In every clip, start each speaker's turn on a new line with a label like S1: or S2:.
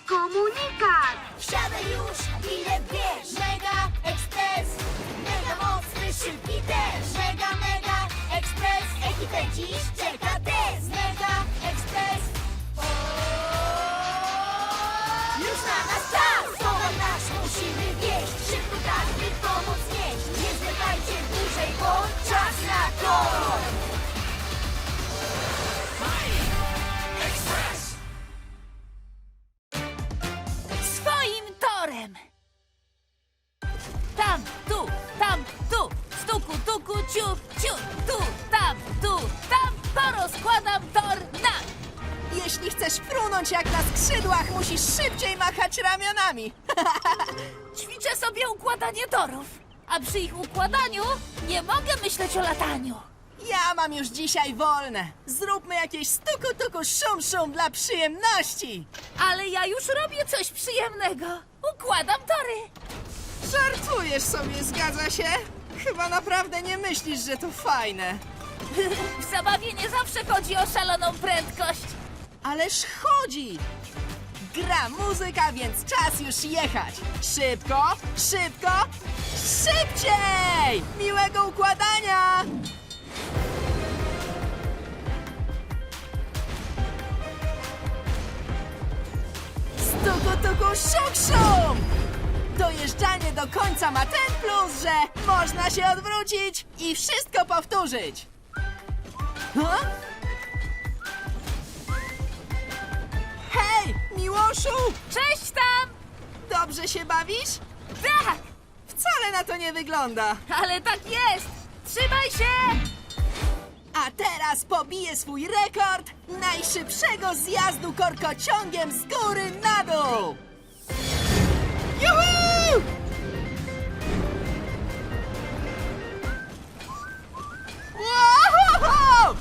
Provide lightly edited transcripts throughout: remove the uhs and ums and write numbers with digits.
S1: komunikat!
S2: Wsiadaj już, bilet bierz. Mega Express, mega mocny, szybki też. Mega Express, ekipę dziś czeka test. Mega Express, już na nas czas. Towar nasz musimy wieść, szybko tak, by pomoc nieść. Nie zwlekajcie dłużej, bo czas na to.
S3: Swoim torem! Tam, tu, stuku, tuku, ciu, ciu, tu, tam, porozkładam tor na...
S4: Jeśli chcesz frunąć jak na skrzydłach, musisz szybciej machać ramionami.
S3: Ćwiczę sobie układanie torów, a przy ich układaniu nie mogę myśleć o lataniu.
S4: Ja mam już dzisiaj wolne. Zróbmy jakieś stuku-tuku szum-szum dla przyjemności.
S3: Ale ja już robię coś przyjemnego. Układam tory.
S4: Żartujesz sobie, zgadza się? Chyba naprawdę nie myślisz, że to fajne.
S3: W zabawie nie zawsze chodzi o szaloną prędkość.
S4: Ależ chodzi! Gra muzyka, więc czas już jechać. Szybko, szybko, szybciej! Miłego układania! Stuku-tuku szum-szum! Dojeżdżanie do końca ma ten plus, że można się odwrócić i wszystko powtórzyć. Huh? Hej, Miłoszu!
S3: Cześć tam!
S4: Dobrze się bawisz?
S3: Tak,
S4: Wcale na to nie wygląda.
S3: ale tak jest. Trzymaj się!
S4: A teraz pobiję swój rekord najszybszego zjazdu korkociągiem z góry na dół! Juhu! Wow!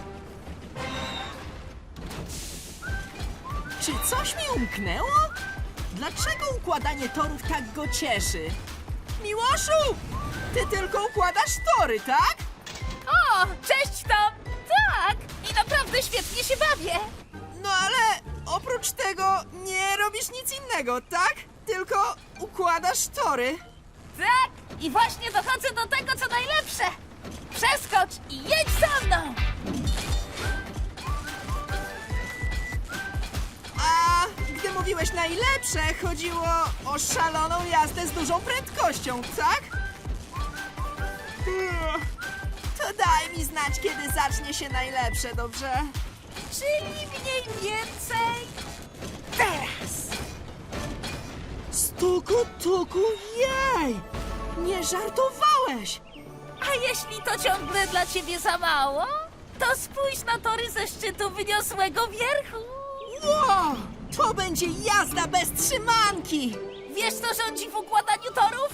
S4: Czy coś mi umknęło? Dlaczego układanie torów tak go cieszy? Miłoszu! Ty tylko układasz tory, tak?
S3: O, cześć Tom! Tak! I naprawdę świetnie się bawię!
S4: No ale oprócz tego nie robisz nic innego, tak? Tylko układasz tory.
S3: Tak! I właśnie dochodzę do tego, co najlepsze! Przeskocz i jedź za mną!
S4: A gdy mówiłeś najlepsze, chodziło o szaloną jazdę z dużą prędkością, tak? To daj mi znać, kiedy zacznie się najlepsze, dobrze?
S3: Czyli mniej więcej... teraz!
S4: Stuku, tuku, jej! Nie żartowałeś!
S3: A jeśli to ciągle dla ciebie za mało, to spójrz na tory ze szczytu wyniosłego wierchu!
S4: Wow! To będzie jazda bez trzymanki!
S3: Wiesz, co rządzi w układaniu torów?